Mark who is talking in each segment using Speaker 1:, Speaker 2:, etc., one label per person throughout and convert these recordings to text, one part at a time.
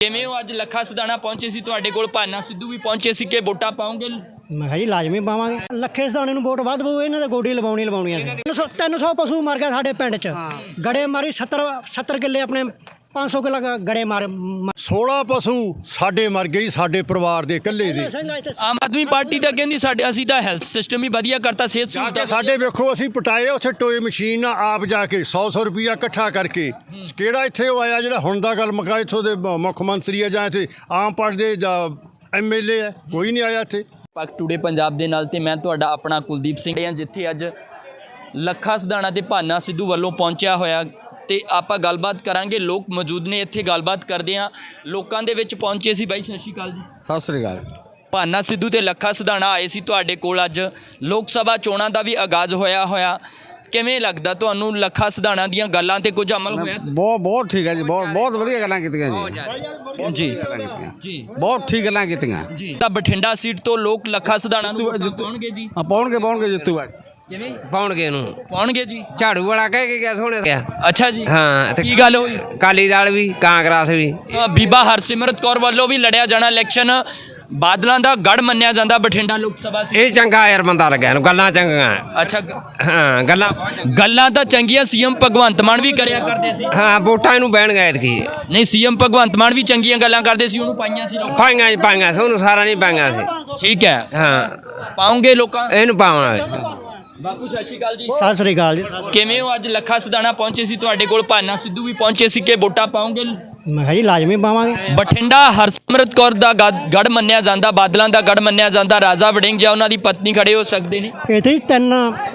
Speaker 1: ਕਿਵੇਂ ਹੋ ਅੱਜ ਲੱਖਾ ਸਿਧਾਣਾ ਪਹੁੰਚੇ ਸੀ ਤੁਹਾਡੇ ਕੋਲ, ਭਾਨਾ ਸਿੱਧੂ ਵੀ ਪਹੁੰਚੇ ਸੀ ਕਿ ਵੋਟਾਂ ਪਾਉਂਗੇ?
Speaker 2: ਮੈਂ ਕਿਹਾ ਜੀ ਲਾਜ਼ਮੀ ਪਾਵਾਂਗੇ। ਲੱਖੇ ਸਿਧਾਣੇ ਨੂੰ ਵੋਟ ਵੱਧ ਪਊ, ਇਹਨਾਂ ਦੇ ਗੋਡੀ ਲਵਾਉਣੀ ਸੀ। 300 ਪਸ਼ੂ ਮਰ ਗਿਆ ਸਾਡੇ ਪਿੰਡ 'ਚ, ਗੜੇ ਮਾਰੀ 70 ਕਿੱਲੇ ਆਪਣੇ 500 ਕਿੱਲਾ ਗੜੇ ਮਾਰੇ।
Speaker 3: 16 ਪਸ਼ੂ ਸਾਡੇ ਮਰ ਗਏ, ਸਾਡੇ ਪਰਿਵਾਰ ਦੇ ਇਕੱਲੇ ਦੇ।
Speaker 1: ਆਮ ਆਦਮੀ ਪਾਰਟੀ ਤਾਂ ਕਹਿੰਦੀ ਅਸੀਂ ਤਾਂ ਹੈਲਥ ਸਿਸਟਮ ਹੀ ਵਧੀਆ ਕਰਤਾ, ਸਿਹਤ ਸਹੂਲਤਾਂ
Speaker 3: ਸਾਡੇ ਵੇਖੋ ਅਸੀਂ ਪਟਾਏ ਉੱਥੇ ਟੋਏ ਮਸ਼ੀਨ ਨਾਲ ਆਪ ਜਾ ਕੇ 100 ਰੁਪਈਆ ਇਕੱਠਾ ਕਰਕੇ। ਕਿਹੜਾ ਇੱਥੇ ਉਹ ਆਇਆ ਜਿਹੜਾ ਹੁਣ ਦਾ ਗੱਲ ਮੁਕਾ ਇੱਥੋਂ ਦੇ ਮੁੱਖ ਮੰਤਰੀ ਆ ਜਾਂ ਇੱਥੇ ਆਮ ਪਾਰਟੀ ਦੇ ਜਾਂ MLA ਹੈ? ਕੋਈ ਨਹੀਂ ਆਇਆ ਇੱਥੇ।
Speaker 1: ਪੱਕ ਟੂਡੇ ਪੰਜਾਬ ਦੇ ਨਾਲ ਤੇ ਮੈਂ ਤੁਹਾਡਾ ਆਪਣਾ ਕੁਲਦੀਪ ਸਿੰਘ ਹਾਂ, ਜਿੱਥੇ ਅੱਜ ਲੱਖਾ ਸਿਧਾਣਾ ਤੇ ਭਾਨਾ ਸਿੱਧੂ ਵੱਲੋਂ ਪਹੁੰਚਿਆ ਹੋਇਆ ਤੇ ਆਪਾਂ ਗੱਲਬਾਤ ਕਰਾਂਗੇ। ਲੋਕ ਮੌਜੂਦ ਨੇ ਇੱਥੇ, ਗੱਲਬਾਤ ਕਰਦੇ ਹਾਂ। ਲੋਕਾਂ ਦੇ ਵਿੱਚ ਪਹੁੰਚੇ ਸੀ। ਬਾਈ ਸਤਿ ਸ਼੍ਰੀ ਅਕਾਲ ਜੀ।
Speaker 4: ਸਤਿ ਸ੍ਰੀ ਅਕਾਲ।
Speaker 1: ਭਾਨਾ ਸਿੱਧੂ ਤੇ ਲੱਖਾ ਸਿਧਾਣਾ ਆਏ ਸੀ ਤੁਹਾਡੇ ਕੋਲ। ਅੱਜ ਲੋਕ ਸਭਾ ਚੋਣਾਂ ਦਾ ਵੀ ਆਗਾਜ਼ ਹੋਇਆ ਕਿਵੇਂ ਲੱਗਦਾ ਤੁਹਾਨੂੰ? ਲੱਖਾ ਸਿਧਾਣਾ ਦੀਆਂ ਗੱਲਾਂ ਤੇ ਕੁਝ ਅਮਲ ਹੋਇਆ?
Speaker 4: ਬਹੁਤ ਠੀਕ ਹੈ ਜੀ, ਬਹੁਤ ਵਧੀਆ ਗੱਲਾਂ ਕੀਤੀਆਂ ਜੀ
Speaker 1: ਜੀ
Speaker 4: ਬਹੁਤ ਠੀਕ ਗੱਲਾਂ ਕੀਤੀਆਂ
Speaker 1: ਜੀ। ਤਾਂ ਬਠਿੰਡਾ ਸੀਟ ਤੋਂ ਲੋਕ ਲੱਖਾ ਸਿਧਾਣਾ ਨੂੰ ਪਾਉਣਗੇ ਜੀ?
Speaker 4: ਪਾਉਣਗੇ ਜਿੱਤੂਗਾ।
Speaker 1: ਕਿਵੇਂ
Speaker 5: ਪਾਉਣਗੇ
Speaker 1: ਜੀ?
Speaker 5: ਝਾੜੂ ਵਾਲਾ ਕਹਿ ਕੇ ਗਿਆ ਸੋਹਣੇ ਗਿਆ।
Speaker 1: ਅੱਛਾ ਜੀ,
Speaker 5: ਹਾਂ।
Speaker 1: ਕੀ ਗੱਲ ਹੋਈ?
Speaker 5: ਅਕਾਲੀ ਦਲ ਵੀ ਕਾਂਗਰਸ ਵੀ।
Speaker 1: ਬੀਬਾ ਹਰਸਿਮਰਤ ਕੌਰ ਵੱਲੋਂ ਵੀ ਲੜਿਆ ਜਾਣਾ ਇਲੈਕਸ਼ਨ, ਬਾਦਲਾਂ ਦਾ ਗੜ ਮੰਨਿਆ ਜਾਂਦਾ ਬਠਿੰਡਾ ਲੋਕ ਸਭਾ ਸੀਟ।
Speaker 5: ਇਹ ਚੰਗਾ ਯਾਰ ਬੰਦਾ ਲੱਗਿਆ ਇਹਨੂੰ, ਗੱਲਾਂ ਚੰਗੀਆਂ।
Speaker 1: ਅੱਛਾ,
Speaker 5: ਹਾਂ
Speaker 1: ਗੱਲਾਂ ਤਾਂ ਚੰਗੀਆਂ। ਸੀਐਮ ਭਗਵੰਤ ਮਾਨ ਵੀ ਕਰਿਆ ਕਰਦੇ ਸੀ।
Speaker 5: ਹਾਂ, ਵੋਟਾਂ ਇਹਨੂੰ ਬਹਿਣ ਗਏ ਐਤਕੀ।
Speaker 1: ਨਹੀਂ, ਸੀਐਮ ਭਗਵੰਤ ਮਾਨ ਵੀ ਚੰਗੀਆਂ ਗੱਲਾਂ ਕਰਦੇ ਸੀ, ਉਹਨੂੰ ਪਾਈਆਂ ਸੀ ਲੋਕਾਂ?
Speaker 5: ਪਾਈਆਂ ਸੀ ਉਹਨੂੰ, ਸਾਰਾ ਨਹੀਂ ਪਾਈਆਂ ਸੀ।
Speaker 1: ਠੀਕ ਹੈ,
Speaker 5: ਹਾਂ
Speaker 1: ਪਾਉਂਗੇ ਲੋਕਾਂ
Speaker 5: ਇਹਨੂੰ ਪਾਉਣਾ।
Speaker 1: ਬਾਪੂ ਸਤਿ ਸ਼੍ਰੀ ਅਕਾਲ ਜੀ।
Speaker 2: ਸਤਿ ਸ੍ਰੀ ਅਕਾਲ ਜੀ।
Speaker 1: ਕਿਵੇਂ ਹੋ? ਅੱਜ ਲੱਖਾ ਸਿਧਾਣਾ ਪਹੁੰਚੇ ਸੀ ਤੁਹਾਡੇ ਕੋਲ, ਭਾਨਾ ਸਿੱਧੂ ਵੀ ਪਹੁੰਚੇ ਸੀ ਕਿ ਵੋਟਾਂ ਪਾਉਂਗੇ?
Speaker 2: ਮੈਂ ਕਿਹਾ ਜੀ ਲਾਜ਼ਮੀ ਪਾਵਾਂਗੇ।
Speaker 1: ਬਠਿੰਡਾ ਹਰਸਿਮਰਤ ਕੌਰ ਦਾ ਗੜ ਮੰਨਿਆ ਜਾਂਦਾ, ਬਾਦਲਾਂ ਦਾ ਗੜ ਮੰਨਿਆ ਜਾਂਦਾ। ਰਾਜਾ ਵੜਿੰਗ ਜਾਂ ਉਹਨਾਂ ਦੀ ਪਤਨੀ ਖੜੇ ਹੋ ਸਕਦੇ ਨੇ
Speaker 2: ਇੱਥੇ 3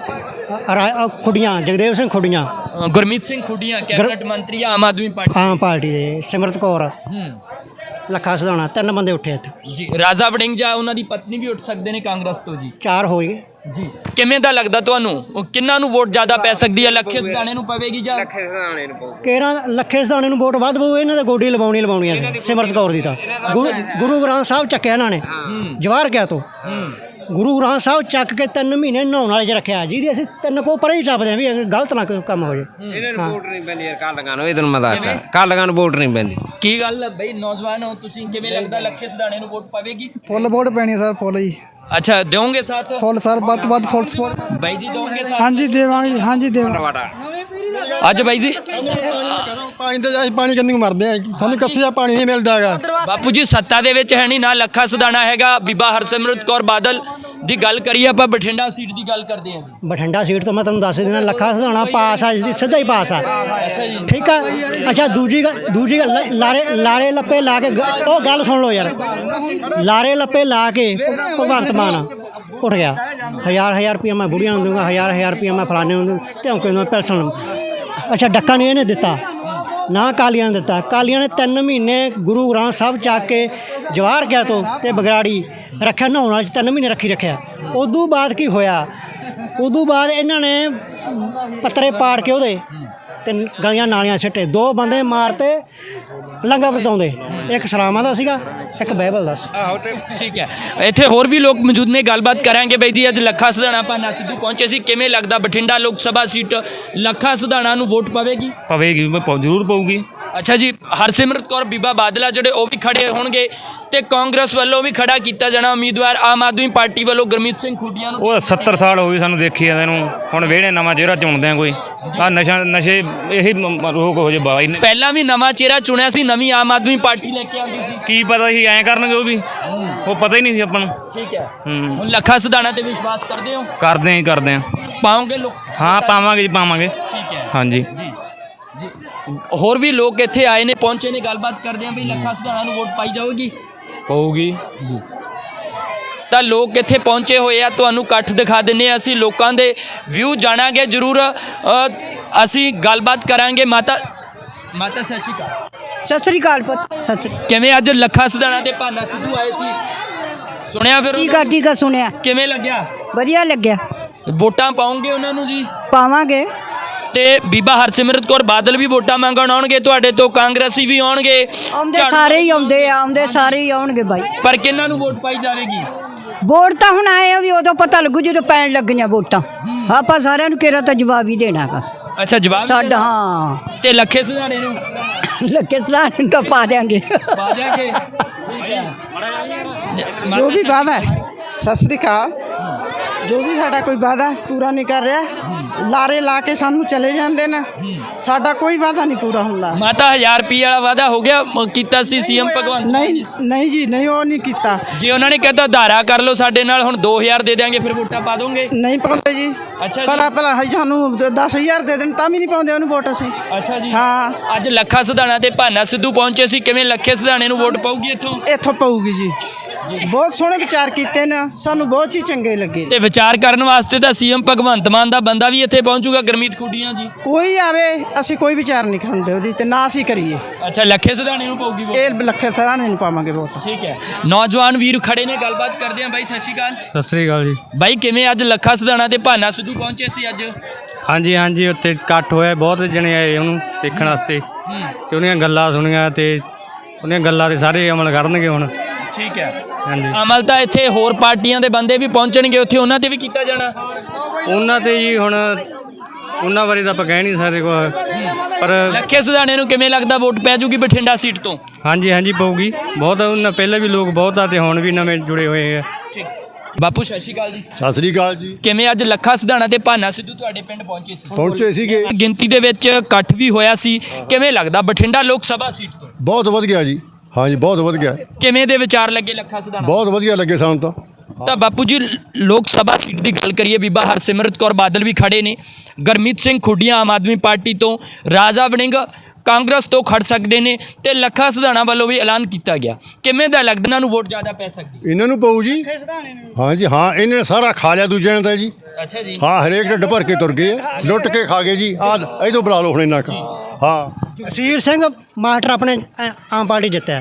Speaker 2: ਖੁੱਡੀਆਂ, ਜਗਦੇਵ ਸਿੰਘ ਖੁੱਡੀਆਂ,
Speaker 1: ਗੁਰਮੀਤ ਸਿੰਘ ਖੁੱਡੀਆਂ ਕੈਬਨਿਟ ਮੰਤਰੀ ਆਮ ਆਦਮੀ ਪਾਰਟੀ।
Speaker 2: ਆਮ ਪਾਰਟੀ ਦੇ ਸਿਮਰਤ ਕੌਰ, ਲੱਖਾ ਸਿਧਾਣਾ, 3 ਬੰਦੇ ਉੱਠੇ ਇੱਥੇ
Speaker 1: ਜੀ। ਰਾਜਾ ਵੜਿੰਗ ਜਾਂ ਉਹਨਾਂ ਦੀ ਪਤਨੀ ਵੀ ਉੱਠ ਸਕਦੇ ਨੇ ਕਾਂਗਰਸ ਤੋਂ ਜੀ?
Speaker 2: 4 ਹੋ ਗਏ
Speaker 1: ਜੀ। ਕਿਵੇਂ ਦਾ ਲੱਗਦਾ ਤੁਹਾਨੂੰ, ਕਿੰਨਾਂ ਨੂੰ ਵੋਟ ਜ਼ਿਆਦਾ ਪੈ ਸਕਦੀ ਹੈ? ਲੱਖੇ ਸਿਧਾਣੇ ਨੂੰ ਪਵੇਗੀ ਜਾਂ
Speaker 2: ਕਿਹੜਾ? ਲੱਖੇ ਸਿਧਾਣੇ ਨੂੰ ਵੋਟ ਵੱਧ ਪਊ, ਇਹਨਾਂ ਦੇ ਗੋਡੀ ਲਵਾਉਣੀ ਸੀ। ਸਿਮਰਤ ਕੌਰ ਦੀ ਤਾਂ ਗੁਰੂ ਗ੍ਰੰਥ ਸਾਹਿਬ ਚੱਕਿਆ ਇਹਨਾਂ ਨੇ ਜਵਾਹਰ ਕਿਆ ਤੋਂ। ਗੁਰੂ ਗ੍ਰੰਥ ਸਾਹਿਬ ਚੱਕ ਕੇ 3 ਮਹੀਨੇ ਨਹਾਉਣ ਵਾਲੇ 'ਚ ਰੱਖਿਆ, ਜਿਹਦੀ ਅਸੀਂ 3 ਕੋ ਪਰੇ ਹੀ ਟੱਪਦੇ ਹਾਂ ਵੀ ਗਲਤ ਨਾ ਕੰਮ ਹੋ ਜਾਏ।
Speaker 5: ਇਹਨਾਂ ਨੂੰ ਵੋਟ ਨਹੀਂ ਪੈਂਦੀ ਯਾਰ, ਕਾਲੀਆਂ ਨੂੰ। ਇਹ ਤੈਨੂੰ ਮੈਂ ਦੱਸਦਾ, ਕਾਲੀਆਂ ਨੂੰ ਵੋਟ ਨਹੀਂ ਪੈਂਦੀ।
Speaker 1: ਕੀ ਗੱਲ ਬਈ, ਨੌਜਵਾਨ ਹੋ ਤੁਸੀਂ, ਕਿਵੇਂ ਲੱਗਦਾ ਲੱਖੇ ਸਿਧਾਣੇ ਨੂੰ ਵੋਟ ਪਵੇਗੀ?
Speaker 6: ਫੁੱਲ ਵੋਟ ਪੈਣੀ ਸਰ, ਫੁੱਲ ਜੀ।
Speaker 1: ਅੱਛਾ, ਦਿਓਗੇ ਸਾਥ?
Speaker 6: ਫੁੱਲ ਸਰ, ਵੱਧ ਤੋਂ ਵੱਧ ਫੁੱਲ ਸਪੋਰਟ।
Speaker 1: ਬਾਈ ਜੀ ਦਿਓਗੇ ਸਾਥ?
Speaker 6: ਹਾਂਜੀ ਦੇਵਾਂਗੇ, ਹਾਂਜੀ ਦੇਵਾਂਗੇ।
Speaker 1: ਅੱਜ ਬਾਈ ਜੀ
Speaker 6: ਪਾਣੀ ਤੇ ਜਾਈ, ਪਾਣੀ ਕਿੰਨੀ ਮਰਦੇ ਆ, ਸਾਨੂੰ ਕੱਥੇ ਦਾ ਪਾਣੀ ਨਹੀਂ ਮਿਲਦਾ ਹੈਗਾ।
Speaker 1: ਬਾਪੂ ਜੀ ਸੱਤਾ ਦੇ ਵਿੱਚ ਹੈ ਨਹੀਂ ਨਾ ਲੱਖਾ ਸਿਧਾਣਾ ਹੈਗਾ, ਬੀਬਾ ਹਰਸਿਮਰਤ ਕੌਰ ਬਾਦਲ ਦੀ ਗੱਲ ਕਰੀਏ ਆਪਾਂ, ਬਠਿੰਡਾ ਸੀਟ ਦੀ ਗੱਲ ਕਰਦੇ ਹਾਂ।
Speaker 2: ਬਠਿੰਡਾ ਸੀਟ ਤੋਂ ਮੈਂ ਤੁਹਾਨੂੰ ਦੱਸ ਦੇਣਾ, ਲੱਖਾ ਸਿਧਾਣਾ ਪਾਸ ਆ, ਜਿਸਦੀ ਸਿੱਧਾ ਹੀ ਪਾਸ ਆ।
Speaker 1: ਅੱਛਾ ਜੀ,
Speaker 2: ਠੀਕ ਆ। ਅੱਛਾ, ਦੂਜੀ ਗੱਲ, ਲਾਰੇ ਲੱਪੇ ਲਾ ਕੇ ਉਹ ਗੱਲ ਸੁਣ ਲਓ ਯਾਰ। ਲਾਰੇ ਲੱਪੇ ਲਾ ਕੇ ਭਗਵੰਤ ਮਾਨ ਉੱਠ ਗਿਆ, 1000 ਰੁਪਇਆ ਮੈਂ ਬੁੜੀਆਂ ਨੂੰ ਦੂੰਗਾ, 1000 ਰੁਪਇਆ ਮੈਂ ਫਲਾਣੇ ਨੂੰ ਦੂੰ, ਧੌਂਕੇ ਨੂੰ ਪੈਨਸ਼ਨ। ਅੱਛਾ, ਡੱਕਾ ਨਹੀਂ ਇਹਨੇ ਦਿੱਤਾ, ਨਾ ਕਾਲੀਆਂ ਨੇ ਦਿੱਤਾ। ਕਾਲੀਆਂ ਨੇ 3 ਮਹੀਨੇ ਗੁਰੂ ਗ੍ਰੰਥ ਸਾਹਿਬ ਚੱਕ ਕੇ ਜਵਾਹਰ ਕਿਆ ਤੋਂ ਤੇ ਬਗਰਾੜੀ ਰੱਖਿਆ, ਨਹਾਉਣ ਵਾਲੇ 'ਚ 3 ਮਹੀਨੇ ਰੱਖੀ ਰੱਖਿਆ। ਉਦੋਂ ਬਾਅਦ ਕੀ ਹੋਇਆ? ਉਦੋਂ ਬਾਅਦ ਇਹਨਾਂ ਨੇ ਪੱਤਰੇ ਪਾੜ ਕੇ ਉਹਦੇ ਤੇ ਗਲੀਆਂ ਨਾਲੀਆਂ ਸਿੱਟੇ, 2 ਬੰਦੇ ਮਾਰਤੇ ਲੰਗਾ ਵਰਤਾਉਂਦੇ, ਇੱਕ ਸਲਾਮਾਂ ਦਾ ਸੀਗਾ, ਇੱਕ ਬਾਈਬਲ ਦਾ ਸੀ।
Speaker 1: ਠੀਕ ਹੈ, ਇੱਥੇ ਹੋਰ ਵੀ ਲੋਕ ਮੌਜੂਦ ਨੇ, ਗੱਲਬਾਤ ਕਰਾਂਗੇ। ਬਾਈ ਜੀ ਅੱਜ ਲੱਖਾ ਸਿਧਾਣਾ ਭਾਨਾ ਸਿੱਧੂ ਪਹੁੰਚੇ ਸੀ, ਕਿਵੇਂ ਲੱਗਦਾ ਬਠਿੰਡਾ ਲੋਕ ਸਭਾ ਸੀਟ ਲੱਖਾ ਸਿਧਾਣਾ ਨੂੰ ਵੋਟ ਪਵੇਗੀ?
Speaker 7: ਪਵੇਗੀ, ਜ਼ਰੂਰ ਪਊਗੀ।
Speaker 1: ਅੱਛਾ ਜੀ, ਹਰਸਿਮਰਤ ਕੌਰ ਬੀਬਾ ਬਾਦਲਾ ਜਿਹੜੇ ਉਹ ਵੀ ਖੜੇ ਹੋਣਗੇ ਤੇ ਕਾਂਗਰਸ ਵੱਲੋਂ ਵੀ ਖੜਾ ਕੀਤਾ ਜਾਣਾ ਉਮੀਦਵਾਰ, ਆਮ ਆਦਮੀ ਪਾਰਟੀ ਵੱਲੋਂ ਗੁਰਮੀਤ ਸਿੰਘ ਖੁੱਡੀਆਂ ਨੂੰ।
Speaker 7: ਉਹ 70 ਸਾਲ ਹੋ ਗਏ ਸਾਨੂੰ ਦੇਖੀ ਜਾਂਦੇ ਨੂੰ, ਹੁਣ ਵਿਹੜੇ ਨਵਾਂ ਚਿਹਰਾ ਚੁਣਦੇ ਆ ਕੋਈ। ਆ ਨਸ਼ੇ ਇਹੀ ਰੋਕ ਹੋ ਜੇ ਬਾਈ ਨੇ।
Speaker 1: ਪਹਿਲਾਂ ਵੀ ਨਵਾਂ ਚਿਹਰਾ ਚੁਣਿਆ ਸੀ, ਨਵੀਂ ਆਮ ਆਦਮੀ ਪਾਰਟੀ ਲੈ ਕੇ ਆਉਂਦੀ ਸੀ।
Speaker 7: ਕੀ ਪਤਾ ਸੀ ਐਂ ਕਰਨਗੇ, ਉਹ ਵੀ ਉਹ ਪਤਾ ਹੀ ਨਹੀਂ ਸੀ ਆਪਾਂ ਨੂੰ।
Speaker 1: ਠੀਕ ਹੈ, ਹੁਣ ਲੱਖਾ ਸਿਧਾਣਾ ਤੇ ਵਿਸ਼ਵਾਸ ਕਰਦੇ ਹੋ?
Speaker 7: ਕਰਦੇ ਆ।
Speaker 1: ਪਾਓਗੇ ਲੋਕ?
Speaker 7: ਹਾਂ ਪਾਵਾਂਗੇ ਜੀ, ਪਾਵਾਂਗੇ।
Speaker 1: ਠੀਕ ਹੈ,
Speaker 7: ਹਾਂਜੀ
Speaker 1: ਜੀ ਜੀ। ਹੋਰ ਵੀ ਲੋਕ ਇੱਥੇ ਆਏ ਨੇ, ਪਹੁੰਚੇ ਨੇ, ਗੱਲਬਾਤ ਕਰਦੇ ਆ ਵੀ ਲੱਖਾ ਸਿਧਾਣਾ ਨੂੰ ਵੋਟ ਪਾਈ ਜਾਊਗੀ?
Speaker 7: ਪਊਗੀ
Speaker 1: ਜੀ। ਤਾਂ ਲੋਕ ਇੱਥੇ ਪਹੁੰਚੇ ਹੋਏ ਆ, ਤੁਹਾਨੂੰ ਇਕੱਠ ਦਿਖਾ ਦਿੰਦੇ ਆ, ਅਸੀਂ ਲੋਕਾਂ ਦੇ ਵਿਊ ਜਾਣਾਂਗੇ ਜ਼ਰੂਰ। ਅਸੀਂ ਗੱਲਬਾਤ ਕਰਾਂਗੇ। ਮਾਤਾ ਸਤਿ ਸ਼੍ਰੀ ਅਕਾਲ।
Speaker 8: ਸਤਿ ਸ੍ਰੀ ਅਕਾਲ ਪੁੱਤ, ਸਤਿ ਸ੍ਰੀ ਅਕਾਲ।
Speaker 1: ਕਿਵੇਂ ਅੱਜ ਲੱਖਾ ਸਿਧਾਣਾ ਤੇ ਭਾਨਾ ਸਿੱਧੂ ਆਏ ਸੀ, ਸੁਣਿਆ ਫਿਰ?
Speaker 8: ਠੀਕ ਆ ਸੁਣਿਆ।
Speaker 1: ਕਿਵੇਂ ਲੱਗਿਆ?
Speaker 8: ਵਧੀਆ ਲੱਗਿਆ।
Speaker 1: ਵੋਟਾਂ ਪਾਉਂਗੇ ਉਹਨਾਂ ਨੂੰ ਜੀ?
Speaker 8: ਪਾਵਾਂਗੇ।
Speaker 1: ਤੇ ਬੀਬਾ ਹਰਸਿਮਰਤ ਕੌਰ ਬਾਦਲ ਵੀ ਵੋਟਾਂ ਮੰਗਣ ਆਉਣਗੇ ਤੁਹਾਡੇ ਤੋਂ, ਕਾਂਗਰਸੀ ਵੀ ਆਉਣਗੇ,
Speaker 8: ਆਉਂਦੇ ਸਾਰੇ ਹੀ ਆਉਂਦੇ ਸਾਰੇ ਹੀ ਆਉਣਗੇ ਬਾਈ।
Speaker 1: ਪਰ ਕਿਹਨਾਂ ਨੂੰ ਵੋਟ ਪਾਈ ਜਾਵੇਗੀ?
Speaker 8: ਵੋਟ ਤਾਂ ਹੁਣ ਆਏ ਆ ਵੀ ਉਦੋਂ ਪਤਾ ਲੱਗੂ ਜਦੋਂ ਪੈਣ ਲੱਗੀਆਂ ਵੋਟਾਂ। ਆਪਾਂ ਸਾਰਿਆਂ ਨੂੰ ਕਿਹੜਾ ਤਾਂ ਜਵਾਬ ਹੀ ਦੇਣਾ ਬਸ।
Speaker 1: ਅੱਛਾ ਜਵਾਬ
Speaker 8: ਸਾਡਾ ਹਾਂ
Speaker 1: ਤੇ ਲੱਖੇ ਸੁਧਾਣੇ ਨੂੰ
Speaker 8: ਲੱਗੇ ਸਲਾਨ ਤਾਂ ਪਾ ਦਿਆਂਗੇ
Speaker 1: ਪਾ ਦਿਆਂਗੇ ਠੀਕ ਹੈ
Speaker 9: ਜੋ ਵੀ ਵਾਅਦਾ ਹੈ ਸਤਿ ਸ੍ਰੀ ਅਕਾਲ ਜੋ ਵੀ ਸਾਡਾ ਕੋਈ ਵਾਅਦਾ ਪੂਰਾ ਨਹੀਂ ਕਰ ਰਿਹਾ ਲਾਰੇ ਲਾ ਕੇ ਸਾਨੂੰ ਚਲੇ ਜਾਂਦੇ ਨੇ ਸਾਡਾ ਕੋਈ ਵਾਅਦਾ ਨਹੀਂ ਪੂਰਾ ਹੁੰਦਾ
Speaker 1: ਮਾਤਾ 1000 ਰੁਪਏ ਵਾਲਾ ਵਾਅਦਾ ਹੋ ਗਿਆ ਕੀਤਾ ਸੀ ਸੀਐਮ ਭਗਵੰਤ
Speaker 9: ਨਹੀਂ ਨਹੀਂ ਜੀ ਨਹੀਂ ਉਹ ਨਹੀਂ ਕੀਤਾ
Speaker 1: ਜੇ ਉਹਨਾਂ ਨੇ ਕਹਿਤਾ ਧਾਰਾ ਕਰ ਲਓ ਸਾਡੇ ਨਾਲ ਹੁਣ 2000 ਦੇ ਦਿਆਂਗੇ ਫਿਰ ਵੋਟਾਂ ਪਾ ਦੋਗੇ
Speaker 9: ਨਹੀਂ ਪਾਉਂਦੇ ਜੀ
Speaker 1: ਅੱਛਾ ਜੀ।
Speaker 9: ਭਲਾ ਸਾਨੂੰ 10000 ਦੇ ਦੇਣ ਤਾਂ ਵੀ ਨਹੀਂ ਪਾਉਂਦੇ ਉਹਨੂੰ ਵੋਟ ਅਸੀਂ
Speaker 1: ਅੱਛਾ ਜੀ
Speaker 9: ਹਾਂ
Speaker 1: ਅੱਜ ਲੱਖਾ ਸਿਧਾਣਾ ਤੇ ਭਾਨਾ ਸਿੱਧੂ ਪਹੁੰਚੇ ਸੀ ਕਿਵੇਂ ਲੱਖੇ ਸਿਧਾਣੇ ਨੂੰ ਵੋਟ ਪਾਊਗੀ ਇੱਥੋਂ
Speaker 9: ਇੱਥੋਂ ਪਊਗੀ ਜੀ ਬਹੁਤ ਸੋਹਣੇ ਵਿਚਾਰ ਕੀਤੇ ਨੇ ਸਾਨੂੰ ਬਹੁਤ ਹੀ ਚੰਗੇ ਲੱਗੇ
Speaker 1: ਤੇ ਵਿਚਾਰ ਕਰਨ ਵਾਸਤੇ ਤਾਂ ਸੀਐਮ ਭਗਵੰਤ ਮਾਨ ਦਾ ਬੰਦਾ ਵੀ ਇੱਥੇ ਪਹੁੰਚੂਗਾ ਗੁਰਮੀਤ ਖੁੱਡੀਆਂ ਜੀ
Speaker 9: ਕੋਈ ਆਵੇ ਅਸੀਂ ਕੋਈ ਵਿਚਾਰ ਨਹੀਂ ਖਾਂਦੇ ਉਹਦੀ ਤੇ ਨਾ ਅਸੀਂ ਕਰੀਏ
Speaker 1: ਅੱਛਾ ਲੱਖੇ ਸਿਧਾਣੇ ਨੂੰ ਪਾਊਗੀ ਵੋਟ
Speaker 9: ਇਹ ਲੱਖੇ ਸਰਾਣੇ ਨੂੰ ਪਾਵਾਂਗੇ ਵੋਟ
Speaker 1: ਠੀਕ ਹੈ ਨੌਜਵਾਨ ਵੀਰ ਖੜੇ ਨੇ ਗੱਲਬਾਤ ਕਰਦੇ ਆ ਬਾਈ ਸਤਿ ਸ਼੍ਰੀ ਅਕਾਲ
Speaker 7: ਸਤਿ ਸ੍ਰੀ ਅਕਾਲ ਜੀ
Speaker 1: ਬਾਈ ਕਿਵੇਂ ਅੱਜ ਲੱਖਾ ਸਿਧਾਣਾ ਤੇ ਭਾਨਾ ਸਿੱਧੂ ਪਹੁੰਚੇ ਸੀ ਅੱਜ
Speaker 7: ਹਾਂਜੀ ਹਾਂਜੀ ਉੱਥੇ ਇਕੱਠ ਹੋਇਆ ਬਹੁਤ ਜਣੇ ਆਏ ਉਹਨੂੰ ਦੇਖਣ ਵਾਸਤੇ ਤੇ ਉਹਦੀਆਂ ਗੱਲਾਂ ਸੁਣੀਆਂ ਤੇ ਉਹਦੀਆਂ ਗੱਲਾਂ ਤੇ ਸਾਰੇ ਅਮਲ ਕਰਨਗੇ ਹੁਣ
Speaker 1: ਠੀਕ ਹੈ
Speaker 7: ਹਾਂਜੀ
Speaker 1: ਅਮਲ ਤਾਂ ਇੱਥੇ ਹੋਰ ਪਾਰਟੀਆਂ ਦੇ ਬੰਦੇ ਵੀ ਪਹੁੰਚਣਗੇ ਉੱਥੇ ਉਹਨਾਂ ਤੇ ਵੀ ਕੀਤਾ ਜਾਣਾ
Speaker 7: ਉਹਨਾਂ ਤੇ ਜੀ ਹੁਣ ਉਹਨਾਂ ਬਾਰੇ ਤਾਂ ਆਪਾਂ ਕਹਿ ਨਹੀਂ ਸਕਦੇ ਕੁਛ ਪਰ
Speaker 1: ਲੱਖੇ ਸਿਧਾਣੇ ਨੂੰ ਕਿਵੇਂ ਲੱਗਦਾ ਵੋਟ ਪੈ ਜੂਗੀ ਬਠਿੰਡਾ ਸੀਟ ਤੋਂ
Speaker 7: ਹਾਂਜੀ ਹਾਂਜੀ ਪਊਗੀ ਬਹੁਤ ਉਹਨਾਂ ਪਹਿਲਾਂ ਵੀ ਲੋਕ ਬਹੁਤ ਆ ਤੇ ਹੁਣ ਵੀ ਨਵੇਂ ਜੁੜੇ ਹੋਏ ਆ
Speaker 1: ਠੀਕ ਬਾਪੂ ਸਤਿ ਸ਼੍ਰੀ ਅਕਾਲ ਜੀ
Speaker 3: ਸਤਿ ਸ੍ਰੀ ਅਕਾਲ ਜੀ
Speaker 1: ਕਿਵੇਂ ਅੱਜ ਲੱਖਾ ਸਿਧਾਣਾ ਤੇ ਭਾਨਾ ਸਿੱਧੂ ਤੁਹਾਡੇ ਪਿੰਡ ਪਹੁੰਚੇ ਸੀ
Speaker 3: ਪਹੁੰਚੇ ਸੀਗੇ
Speaker 1: ਗਿਣਤੀ ਦੇ ਵਿੱਚ ਇਕੱਠ ਵੀ ਹੋਇਆ ਸੀ ਕਿਵੇਂ ਲੱਗਦਾ ਬਠਿੰਡਾ ਲੋਕ ਸਭਾ ਸੀਟ ਤੋਂ
Speaker 3: ਬਹੁਤ ਵਧੀਆ ਜੀ ਹਾਂਜੀ ਬਹੁਤ ਵਧੀਆ
Speaker 1: ਕਿਵੇਂ ਦੇ ਵਿਚਾਰ ਲੱਗੇ ਲੱਖਾ ਸਿਧਾਣਾ
Speaker 3: ਬਹੁਤ ਵਧੀਆ ਲੱਗੇ ਸਾਨੂੰ ਤਾਂ
Speaker 1: ਬਾਪੂ ਜੀ ਲੋਕ ਸਭਾ ਸੀਟ ਦੀ ਗੱਲ ਕਰੀਏ ਬੀਬਾ ਹਰਸਿਮਰਤ ਕੌਰ ਬਾਦਲ ਵੀ ਖੜੇ ਨੇ ਗੁਰਮੀਤ ਸਿੰਘ ਖੁੱਡੀਆਂ ਆਮ ਆਦਮੀ ਪਾਰਟੀ ਤੋਂ ਰਾਜਾ ਵੜਿੰਗ ਕਾਂਗਰਸ ਤੋਂ ਖੜ ਸਕਦੇ ਨੇ ਤੇ ਲੱਖਾ ਸਿਧਾਣਾ ਵੱਲੋਂ ਵੀ ਐਲਾਨ ਕੀਤਾ ਗਿਆ ਕਿਵੇਂ ਦਾ ਲੱਗਦਾ ਇਹਨਾਂ ਨੂੰ ਵੋਟ ਜ਼ਿਆਦਾ ਪੈ ਸਕਦੀ
Speaker 3: ਇਹਨਾਂ ਨੂੰ ਪਊ ਜੀ ਹਾਂਜੀ ਹਾਂ ਇਹਨੇ ਸਾਰਾ ਖਾ ਲਿਆ ਦੂਜਿਆਂ ਨੇ ਤਾਂ ਜੀ
Speaker 1: ਅੱਛਾ ਜੀ
Speaker 3: ਹਾਂ ਹਰੇਕ ਢਿੱਡ ਭਰ ਕੇ ਤੁਰ ਗਏ ਆ, ਲੁੱਟ ਕੇ ਖਾ ਗਏ ਜੀ ਆਹ ਇਹਦੋਂ ਬੁਲਾ ਲਓ ਹੁਣ ਇਹਨਾਂ ਕਾ ਹਾਂ
Speaker 2: ਜਸੀਰ ਸਿੰਘ ਮਾਸਟਰ ਆਪਣੇ ਆਮ ਪਾਰਟੀ ਜਿੱਤਿਆ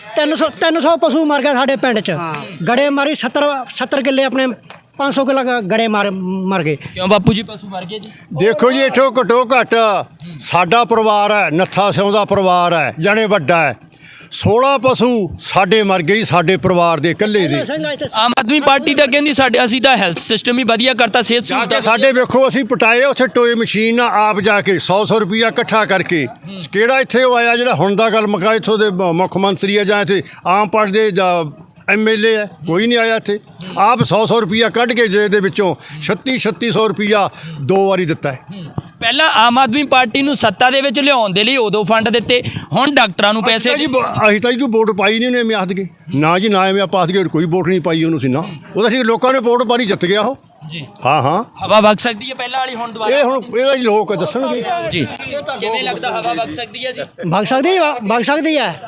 Speaker 2: 300 ਪਸ਼ੂ ਮਰ ਗਏ ਸਾਡੇ ਪਿੰਡ 'ਚ ਗੜੇ ਮਾਰੀ 70 ਕਿੱਲੇ ਆਪਣੇ 500 ਕਿੱਲਾ ਗੜੇ ਮਰ ਗਏ
Speaker 1: ਕਿਉਂ ਬਾਪੂ ਜੀ ਪਸ਼ੂ ਮਰ ਗਏ ਜੀ
Speaker 3: ਦੇਖੋ ਜੀ ਇੱਥੋਂ ਘੱਟੋ ਘੱਟ ਸਾਡਾ ਪਰਿਵਾਰ ਹੈ ਨੱਥਾ ਸਿਉਂ ਦਾ ਪਰਿਵਾਰ ਹੈ ਜਾਣੇ ਵੱਡਾ ਹੈ 16 ਪਸ਼ੂ ਸਾਡੇ ਮਰ ਗਏ ਸਾਡੇ ਪਰਿਵਾਰ ਦੇ ਇਕੱਲੇ ਦੇ
Speaker 1: ਆਮ ਆਦਮੀ ਪਾਰਟੀ ਤਾਂ ਕਹਿੰਦੀ ਸਾਡੇ ਅਸੀਂ ਤਾਂ ਹੈਲਥ ਸਿਸਟਮ ਹੀ ਵਧੀਆ ਕਰਤਾ ਸਿਹਤ
Speaker 3: ਜਾ
Speaker 1: ਸਹੂਲਤਾਂ
Speaker 3: ਕੇ ਸਾਡੇ ਵੇਖੋ ਅਸੀਂ ਪਟਾਏ ਉੱਥੇ ਟੋਏ ਮਸ਼ੀਨ ਨਾਲ ਆਪ ਜਾ ਕੇ 100 ਰੁਪਈਆ ਇਕੱਠਾ ਕਰਕੇ ਕਿਹੜਾ ਇੱਥੇ ਉਹ ਆਇਆ ਜਿਹੜਾ ਹੁਣ ਦਾ ਗੱਲ ਮੁਕਾ ਇੱਥੋਂ ਦੇ ਮੁੱਖ ਮੰਤਰੀ ਆ ਜਾਂ ਇੱਥੇ ਆਮ ਪਾਰਟੀ ਦੇ ਜਾਂ MLA ਹੈ ਕੋਈ ਨਹੀਂ ਆਇਆ ਇੱਥੇ ਆਪ 100 ਰੁਪਈਆ ਕੱਢ ਕੇ ਜੇ ਦੇ ਵਿੱਚੋਂ 3600 ਰੁਪਈਆ 2 ਵਾਰੀ ਦਿੱਤਾ ਹੈ
Speaker 1: ਪਹਿਲਾਂ ਆਮ ਆਦਮੀ ਪਾਰਟੀ ਨੂੰ ਸੱਤਾ ਦੇ ਵਿੱਚ ਲਿਆਉਣ ਦੇ ਲਈ ਉਦੋਂ ਫੰਡ ਦਿੱਤੇ ਹੁਣ ਡਾਕਟਰਾਂ ਨੂੰ ਪੈਸੇ
Speaker 3: ਜੀ ਅਸੀਂ ਤਾਂ ਜੀ ਕੋਈ ਵੋਟ ਪਾਈ ਨਹੀਂ ਉਹਨੇ ਐਵੇਂ ਆਖ ਕੇ ਨਾ ਜੀ ਨਾ ਐਵੇਂ ਆਪਾਂ ਆਖ ਕੇ ਕੋਈ ਵੋਟ ਨਹੀਂ ਪਾਈ ਉਹਨੂੰ ਸੀ ਨਾ ਉਹਦਾ ਠੀਕ ਲੋਕਾਂ ਨੇ ਵੋਟ ਪਾਰੀ ਜਿੱਤ ਗਿਆ ਉਹ
Speaker 1: ਜੀ
Speaker 3: ਹਾਂ ਹਾਂ
Speaker 1: ਹਵਾ ਵਗ ਸਕਦੀ ਹੈ ਪਹਿਲਾਂ ਵਾਲੀ ਹੁਣ ਦੁਬਾਰਾ
Speaker 3: ਇਹ ਹੁਣ ਇਹਦਾ ਜੀ ਲੋਕ ਦੱਸਣਗੇ
Speaker 1: ਜੀ ਕਿਵੇਂ ਲੱਗਦਾ ਹਵਾ ਵਗ ਸਕਦੀ ਹੈ ਜੀ
Speaker 2: ਵਗ ਸਕਦੀ ਹੈ ਵਗ ਸਕਦੀ ਹੈ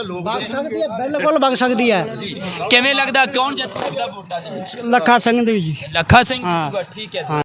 Speaker 2: ਬਿਲਕੁਲ ਵਗ ਸਕਦੀ ਹੈ
Speaker 1: ਜੀ ਕਿਵੇਂ ਲੱਗਦਾ ਕੌਣ ਜਿੱਤ ਸਕਦਾ ਵੋਟਾਂ ਦੇ ਵਿੱਚ
Speaker 2: ਲੱਖਾ ਸਿੰਘ ਦੀ ਜੀ
Speaker 1: ਲੱਖਾ ਸਿੰਘ ਠੀਕ ਹੈ ਜੀ